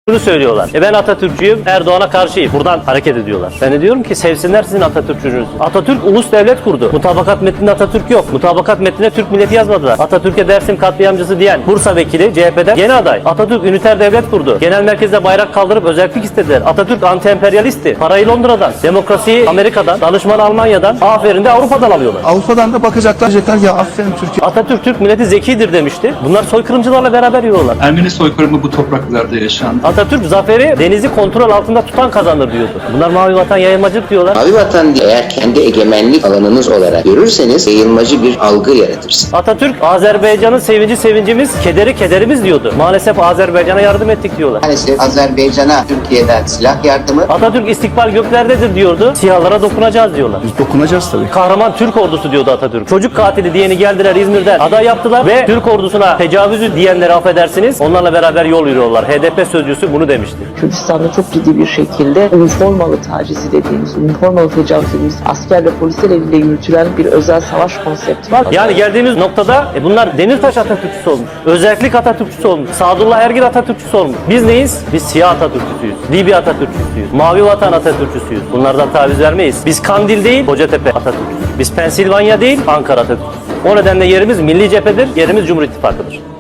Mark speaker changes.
Speaker 1: Bunu söylüyorlar. Ben Atatürkçüyüm, Erdoğan'a karşıyım. Buradan hareket ediyorlar. Ben de diyorum ki sevsinler sizin Atatürkçünüzü. Atatürk ulus devlet kurdu. Mutabakat metninde Atatürk yok. Mutabakat metnine Türk milleti yazmadılar. Atatürk'e Dersim katliamcısı diyen Bursa vekili CHP'den yeni aday. Atatürk üniter devlet kurdu. Genel merkezde bayrak kaldırıp özellik istediler. Atatürk anti-emperyalisti. Parayı Londra'dan, demokrasiyi Amerika'dan, danışmanı Almanya'dan, aferin de Avrupa'dan alıyorlar.
Speaker 2: Avrupa'dan da bakacaklar, diyecekler ya aferin Türkiye.
Speaker 1: Atatürk Türk milleti zekidir demişti. Bunlar soykırımcılarla beraber yiyorlar.
Speaker 3: Ermeni soykırımı bu topraklarda yaşandı.
Speaker 1: Atatürk zaferi denizi kontrol altında tutan kazanır diyordu. Bunlar mavi vatan yayılmacılık diyorlar.
Speaker 4: Mavi vatan eğer kendi egemenlik alanınız olarak görürseniz yayılmacı bir algı yaratırsınız.
Speaker 1: Atatürk Azerbaycan'ın sevinci sevincimiz, kederi kederimiz diyordu. Maalesef Azerbaycan'a yardım ettik diyorlar.
Speaker 4: Maalesef Azerbaycan'a Türkiye'den silah yardımı,
Speaker 1: Atatürk istikbal göklerdedir diyordu. Siyahlara dokunacağız diyorlar.
Speaker 2: Biz dokunacağız tabii.
Speaker 1: Kahraman Türk ordusu diyordu Atatürk. Çocuk katili diyeni geldiler İzmir'den aday yaptılar ve Türk ordusuna tecavüzü diyenleri affedersiniz. Onlarla beraber yol yürüyorlar. HDP sözcüsü bunu demişti.
Speaker 5: Kürdistan'da çok ciddi bir şekilde üniformalı tacizi dediğimiz, üniformalı tecavüz dediğimiz asker ve polisler eliyle yürütülen bir özel savaş konsepti var.
Speaker 1: Yani geldiğimiz noktada bunlar Demirtaş Atatürkçüsü olmuş. Özellik Atatürkçüsü olmuş. Sadullah Ergin Atatürkçüsü olmuş. Biz neyiz? Biz siyah Atatürkçüsüyüz. Libya Atatürkçüsüyüz. Mavi vatan Atatürkçüsüyüz. Bunlardan taviz vermeyiz. Biz Kandil değil, Kocatepe Atatürkçüsüyüz. Biz Pensilvanya değil, Ankara Atatürkçüsüyüz. O nedenle yerimiz Milli Cephe'dir, yerimiz Cumhur İttifakı'dır.